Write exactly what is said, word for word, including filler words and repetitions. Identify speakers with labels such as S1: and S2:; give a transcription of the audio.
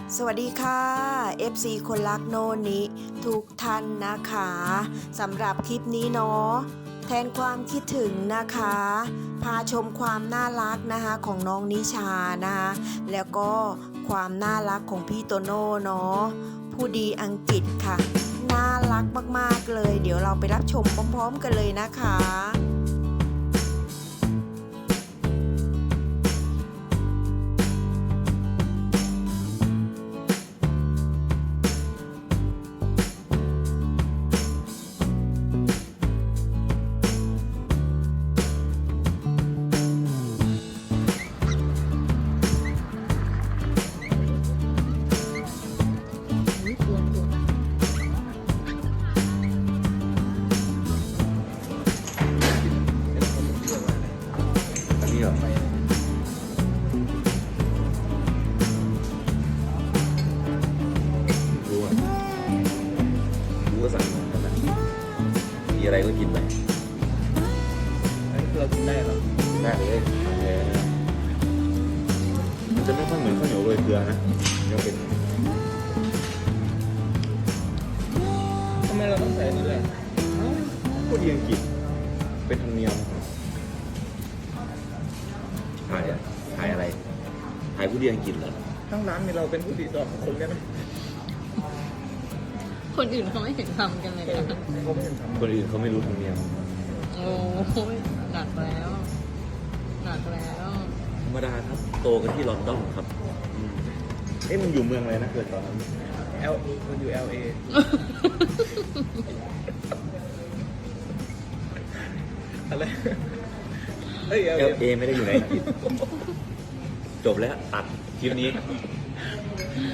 S1: สวัสดีค่ะ เอฟ ซี คนรักโนนิทุกท่านนะคะสำหรับคลิปนี้เนาะแทนความคิดถึงนะคะพาชมความน่ารักนะคะของน้องนิชานะคะแล้วก็ความน่ารักของพี่โตโน่เนาะผู้ดีอังกฤษค่ะน่ารักมากๆเลยเดี๋ยวเราไปรับชมพร้อมๆกันเลยนะคะ
S2: นี่เหรอรู้อ่ะรู้ว่าสั่งมาขนาดมีอะไรก็กินไป
S3: อันนี้เรากินได้เหรอ
S2: ได้เลยทานเลยนะมันจะไม่ค่อยเหมือนข้าวเหนียวโรยเกลือนะยังเป็น
S3: ทำไมเราต้องใส่อันนี้ด้วย
S2: ผู้ดีอังกฤษเป็นธรรมเนียมถ่ายอะถ่ายอะไรถ่ายผู้ดีอังกฤษเหรอ
S3: ทั้งร้านมีเราเป็นผู้ดีสองคนได้ไหม
S4: คนอื่นเขาไม่เห็นทำกันเลยนะ
S3: เขาไม่เห็นทำ
S2: คนอื่นเขาไม่รู้ธรรมเนียม
S4: โอ้ยหนักแล้วหนักแล้ว
S2: ธรรมดาครับโตกันที่ลอนดอนครับอืมเอ๊ะมันอยู่เมืองอะไรนะเกิดตอนนั้น
S3: เอลมันอยู่ แอล เอ อะไรเฮ้ย แอล
S2: เอ
S3: เอ
S2: ลเอไม่ได้อยู่ในอังกฤษจบแล้วตัดคลิปนี้